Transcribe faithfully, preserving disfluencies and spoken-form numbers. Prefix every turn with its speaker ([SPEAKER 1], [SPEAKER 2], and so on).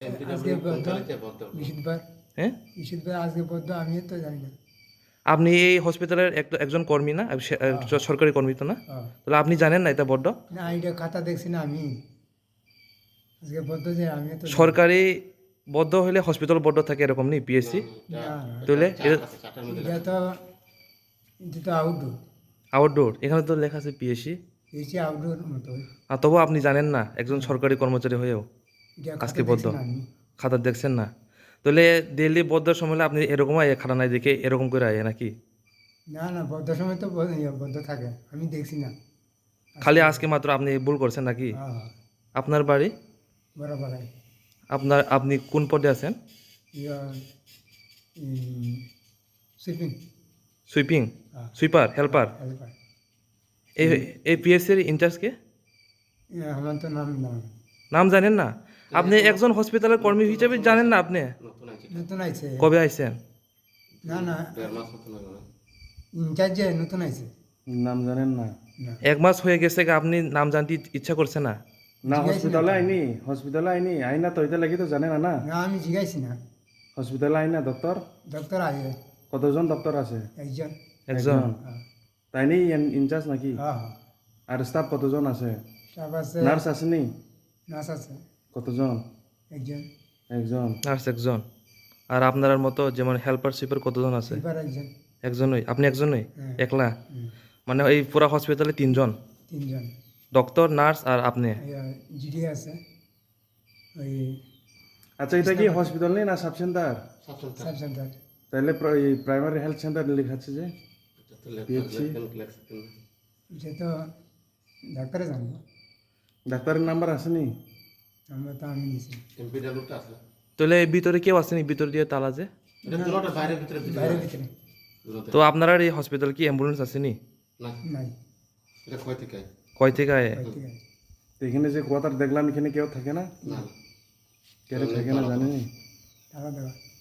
[SPEAKER 1] আজকে বদ্ধ বৃহস্পতিবার
[SPEAKER 2] হ্যাঁ
[SPEAKER 1] বৃহস্পতিবার আজকে বদ্ধ আমিও তো জানি না।
[SPEAKER 2] আপনি এই হসপিটালের এক- একজন কর্মী না সে-
[SPEAKER 1] হ্যাঁ।
[SPEAKER 2] সরকারি কর্মী তো না
[SPEAKER 1] হ্যাঁ।
[SPEAKER 2] তাহলে আপনি জানেন না এটা বড্ড
[SPEAKER 1] না এটা খাতা দেখছি না আমি আজকে বদ্ধ যে আমিও তো জানি না।
[SPEAKER 2] সরকারি বদ্ধ হলে হসপিটাল বদ্ধ থাকে এরকম নেই পিএসসি
[SPEAKER 1] না না
[SPEAKER 2] তাহলে
[SPEAKER 1] এটা তো এটা তো আউটডোর
[SPEAKER 2] আউটডোর এখানে তো লেখা আছে পিএসসি
[SPEAKER 1] এসে আউটডোর মতো
[SPEAKER 2] আর তবু আপনি জানেন না একজন সরকারি কর্মচারী হয়েও
[SPEAKER 1] এটা
[SPEAKER 2] আজকে
[SPEAKER 1] খাতা
[SPEAKER 2] বদ্ধ
[SPEAKER 1] দেখছি না আমি।
[SPEAKER 2] খাতা দেখছেন না তাহলে দিল্লি বদ্ধ সময় হলে আপনি এরকম আয় খাতা নাই দেখে এরকম করে আয় নাকি
[SPEAKER 1] না না বদ্ধ সময় তো ব- ইয়ে বদ্ধ থাকে আমি দেখছি না।
[SPEAKER 2] খালি আজকে মাত্র আপনি ভুল করছেন নাকি
[SPEAKER 1] হ্যাঁ
[SPEAKER 2] আপনার বাড়ি
[SPEAKER 1] বরাবর
[SPEAKER 2] আপনার আপনি কোন পদে আছেন
[SPEAKER 1] ইয়া সুইপিং
[SPEAKER 2] সুইপিং
[SPEAKER 1] হ্যাঁ
[SPEAKER 2] সুইপার হেল্পার
[SPEAKER 1] হেল্পার
[SPEAKER 2] এই এই পিএসসির ইনচার্জ কে
[SPEAKER 1] আমার তো নাম না
[SPEAKER 2] নাম জানেন না আপনি একজন হসপিটালের কর্মী হিসেবে জানেন না আপনি
[SPEAKER 1] নতুন আইছে
[SPEAKER 2] কবে আইছেন
[SPEAKER 1] না না ইনচার্জ যে নতুন আইছে
[SPEAKER 3] নাম জানেন না
[SPEAKER 1] না
[SPEAKER 2] এক মাস হয়ে গেছে কি আপনি নাম জানতে ইচ্ছা করছে না
[SPEAKER 3] না
[SPEAKER 1] জিজ্ঞাসা
[SPEAKER 3] হসপিটালে
[SPEAKER 1] না।
[SPEAKER 3] আইনি হসপিটালে আইনি আইনা তো এটা লাগি তো জানে না না
[SPEAKER 1] না আমি জিগাইছি না
[SPEAKER 3] হসপিটালে আইনা ডক্টর
[SPEAKER 1] ডক্টর আইয়ে
[SPEAKER 3] কতজন ডক্টর আছে
[SPEAKER 1] একজন
[SPEAKER 2] একজন
[SPEAKER 1] হ্যাঁ
[SPEAKER 3] তাই নি ইনচার্জ নাকি
[SPEAKER 1] হ্যাঁ হ্যাঁ
[SPEAKER 3] আর স্টাফ কতজন আছে
[SPEAKER 1] স্টাফ আছে
[SPEAKER 3] নার্স আসেনি
[SPEAKER 1] নার্স আছে
[SPEAKER 3] কতজন
[SPEAKER 1] একজন
[SPEAKER 3] একজন
[SPEAKER 2] নার্স একজন আর আপনার মতো যেমন হেল্পার সুইপার কতজন আছে
[SPEAKER 1] সুইপার একজন
[SPEAKER 2] একজনই আপনি একজনই
[SPEAKER 1] হ্যাঁ।
[SPEAKER 2] একলা
[SPEAKER 1] হুম,
[SPEAKER 2] মানে এই পুরা হসপিটালে তিনজন
[SPEAKER 1] তিনজন
[SPEAKER 2] ডক্টর নার্স আর আপনি
[SPEAKER 1] জিডি আছে ওই
[SPEAKER 3] আচ্ছা এটা কি হসপিটাল নেই না সাব সেন্টার
[SPEAKER 1] সাব সেন্টার
[SPEAKER 3] তাহলে প্রাইমারি হেলথ সেন্টার লেখাচ্ছে যে পিএইচসি
[SPEAKER 1] এটা তো ডাক্তারে জানবো
[SPEAKER 3] ডাক্তারের নাম্বার আসেনি
[SPEAKER 1] আমরা তো আমি নিছি
[SPEAKER 2] তাহলে এই ভিতরে কেউ আসেনি ভিতর দিয়ে তালা যে
[SPEAKER 1] বাইরের ভিতরে
[SPEAKER 2] তো আপনার আর এই হসপিটাল কি অ্যাম্বুলেন্স আসেনি
[SPEAKER 1] নাই
[SPEAKER 2] কয় থেকে আয়
[SPEAKER 1] ওই থেকে
[SPEAKER 3] তো এখানে যে কোয়ার্টার দেখলাম এখানে কেউ থাকে না কেউ থাকে না জানেনি
[SPEAKER 1] টাকা দেওয়া